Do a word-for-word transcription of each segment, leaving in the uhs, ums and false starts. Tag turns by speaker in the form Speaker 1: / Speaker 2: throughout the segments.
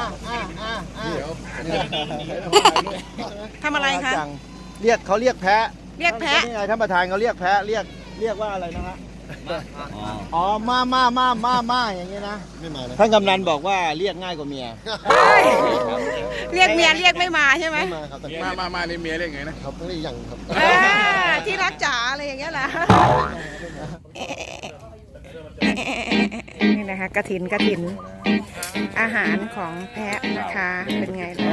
Speaker 1: อ่าอ่าอ่า
Speaker 2: ทำอะไรคะ
Speaker 1: เรียกเขาเรียกแพะ
Speaker 2: เรียกแพะ
Speaker 1: นี่ไงท่านประธานเขาเรียกแพะเรียกเรียกว่าอะไรนะฮะอ๋อมามามามามาอย่างนี้นะไม่มาท่านกำนันบอกว่าเรียกง่ายกว่าเมีย
Speaker 2: เรียกเมียเรียกไม่มาใช่ไหม
Speaker 1: มาครับ
Speaker 3: มามามานี่เมียเรียกไงนะครับ
Speaker 1: ต้องเรียกยังครับ
Speaker 2: เออที่รักจ๋าอะไรอย่างเงี้ยล่ะนี่นะคะกระถินกระถินอาหารของแพะนะคะเป็นไงล่ะ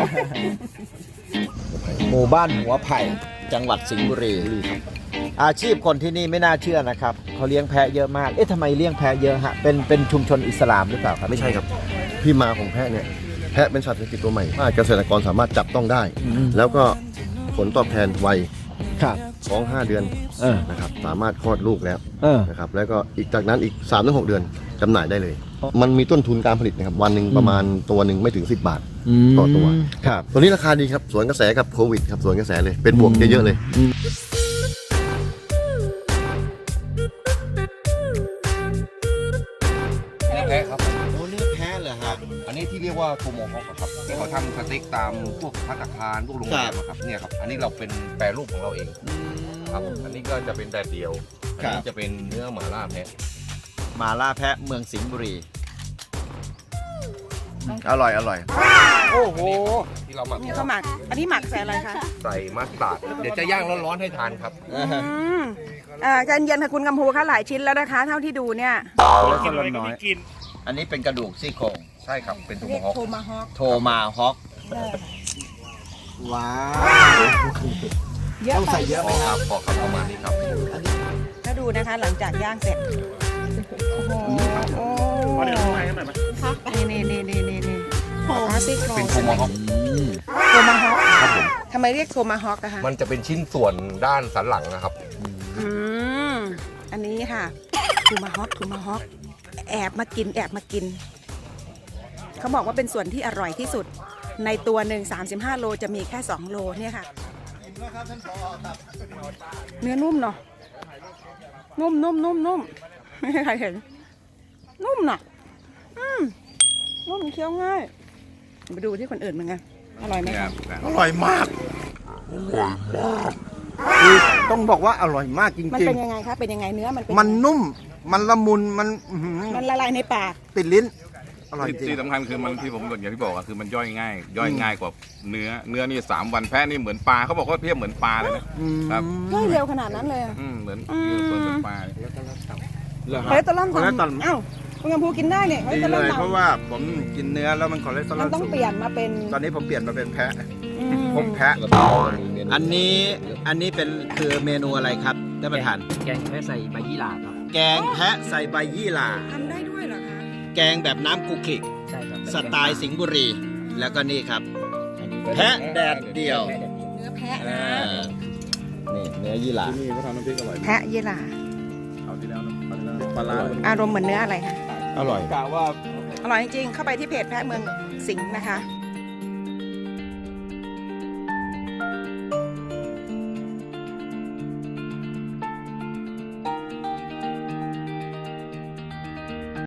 Speaker 1: หมู่บ้านหัวไผ่จังหวัดสิงห์บุรีครับอาชีพคนที่นี่ไม่น่าเชื่อนะครับเขาเลี้ยงแพะเยอะมากเอ๊ะทำไมเลี้ยงแพะเยอะฮะเป็นเป็นชุมชนอิสลามหรือเปล่าครับ
Speaker 4: ไม่ใช่ครับที่มาของแพะเนี่ยแพะเป็นสัตว์เศรษฐกิจตัวใหม่ว่าเกษตรกรสามารถจับต้องได้ แล้วก็ผลตอบแทนไว
Speaker 1: ครับ
Speaker 4: ท้องห้าเดือน
Speaker 1: เออ
Speaker 4: นะครับสามารถคลอดลูกแล้ว
Speaker 1: เออ
Speaker 4: นะครับแล้วก็อีกจากนั้นอีก สามถึงหก เดือนจำหน่ายได้เลย มันมีต้นทุนการผลิตนะครับวันหนึ่งประมาณตัวหนึ่งไม่ถึงสิบบาทต่อตัว
Speaker 1: ครับ
Speaker 4: ตัวนี้ราคาดีครับสวนกระแสกับโควิดครับสวนกระแสเลยเป็นบวกเยอะๆเลย
Speaker 3: แพะครับ
Speaker 1: โอ้เนื้อแพะเหรอฮะ
Speaker 3: อันนี้ที่เรียกว่าโทโมฮอคครับที่เขาทำสเต็กตามพวกภัตตาคารพวกโรงแรมอะครับเนี่ยครับอันนี้เราเป็นแปรรูปของเราเองครับอันนี้ก็จะเป็นแดดเดียวอันนี้จะเป็นเนื้อหม่าล่าแพะ
Speaker 1: มาล่าแพะเมืองสิงห์บุรีอร่อยอร่อยโอ้โห
Speaker 3: ที่เราหมัก
Speaker 2: นี่เขาหมักอันนี้หมักใส่อะไรคะ
Speaker 3: ใส่มัสตาร์ดเดี๋ยวจะย่างร้อนๆให้ทานครับ
Speaker 2: อืมอ่าใจเย็นค่ะคุณกำพูคะหลายชิ้นแล้วนะคะ เท่าที่ดูเนี่ย
Speaker 1: แล้วก็น้อยอันนี้เป็นกระดูกซี่โครง
Speaker 3: ใช่ครับเป็นโท
Speaker 2: เรี
Speaker 3: โม
Speaker 2: ยก
Speaker 3: ฮอค
Speaker 2: โทมาฮอก
Speaker 1: โทมาฮอกว้าว
Speaker 2: เยอะ
Speaker 1: ต้อง
Speaker 2: ไป
Speaker 1: ใส่เยอะ
Speaker 3: พอครับพอครับประมาณนี้ครับ
Speaker 2: ถ้าดูนะคะหลังจากย่างเสร็จโอ้โหโอ้นี่นี่นี่นี่นี่อ๋อซี่โครง
Speaker 3: เป็นโทโมฮอค
Speaker 2: โทมาฮอก
Speaker 3: ครับผม
Speaker 2: ทำไมเรียกโทมาฮอกนะคะ
Speaker 3: มันจะเป็นชิ้นส่วนด้านสันหลังนะครับ
Speaker 2: อืมอันนี้ค่ะทูมาฮอกทูมาฮอกแอบมากินแอบมากิน เขาบอกว่าเป็นส่วนที่อร่อยที่สุด ในตัวหนึ่งสามสิบห้าโลจะมีแค่สองโลเนี่ยค่ะเนื้อนุ่มเนาะนุ่มนุ่มนุ่มนุ่มไม่มีใครเห็น นุ่มเนาะอืมนุ่มเคี้ยวง่ายมาดูที่คนอื่นเหมือนกันอร่อยไหมคะ
Speaker 1: อร่อยมากคือต้องบอกว่าอร่อยมากจ
Speaker 2: มัน
Speaker 1: ริง
Speaker 2: เป็นยังไงคะเป็นยังไงเนื้อมันเป็น
Speaker 1: ๆ มันนุ่มมันละมุนมันอื้อหือ
Speaker 2: มันละลายในปาก
Speaker 1: ติดลิ้นอร่อยจริง
Speaker 5: ที่สำคัญคือมันที่ผมอย่างที่บอกอะคือมันย่อยง่าย ย่อยง่ายกว่าเนื้อเนื้อนี่สามวันแพะนี่เหมือนปลาเขาบอกว่าเทียบเหมือนปลาเลยนะ
Speaker 1: อืม
Speaker 5: ครับ
Speaker 2: ย่อยเร็วขนาดนั้นเลยอะ
Speaker 5: อืมเหมือน
Speaker 2: อืม
Speaker 5: เหมือนเหมือนปลาเลย
Speaker 1: เหรอ
Speaker 2: ค
Speaker 1: ฮะ
Speaker 2: อเลสเตอรอล
Speaker 1: คอเลสเตอรอล
Speaker 2: ต่ำอ้าวคุณกำพูกินได้เนี่ยคอเล
Speaker 1: ดี
Speaker 2: สเตอร
Speaker 1: เล
Speaker 2: อล
Speaker 1: ย
Speaker 2: ต่ำ
Speaker 1: เพราะว่าผมกินเนื้อแล้วมันคอเลสเตอรอ
Speaker 2: มั
Speaker 1: ล
Speaker 2: นต้อง
Speaker 1: สูง
Speaker 2: เปลี่ยนมาเป็น
Speaker 1: ตอนนี้ผมเปลี่ยนมาเป็นแพะ
Speaker 2: อืม
Speaker 1: ผมแพะ อันนี้อันนี้เป็นคือเมนูอะไรครับท่านประธาน
Speaker 6: แกงแค่ใส่ใบยี่หร่าครับ
Speaker 1: แกงแพะใส่ใบยี่หร่า
Speaker 2: ทำได้ด้วยเหรอคะ
Speaker 1: แกงแบบน้ำกุกขิก
Speaker 6: ใช่ครับ
Speaker 1: สไตล์สิงห์บุรี แล้วก็นี่ครับ
Speaker 6: อันนี้
Speaker 1: แพะแดดเดียว
Speaker 6: แพะแดดเดียว
Speaker 2: เนื้อแพะ
Speaker 1: อ่
Speaker 2: นะ
Speaker 1: านี่เนื้อยี่หร่า
Speaker 5: นี่เขาทำน้ำพริกอร่อย
Speaker 2: แพะยี่หร่า
Speaker 5: เอาที่แล้วนะเอาที่แล้วปลาร้า
Speaker 2: อารมณ์เหมือนเนื้ออะไรคะ
Speaker 1: อร่อย
Speaker 5: กะว่า
Speaker 2: อร่อยจริงๆเข้าไปที่เพจแพะเมืองสิงห์นะคะ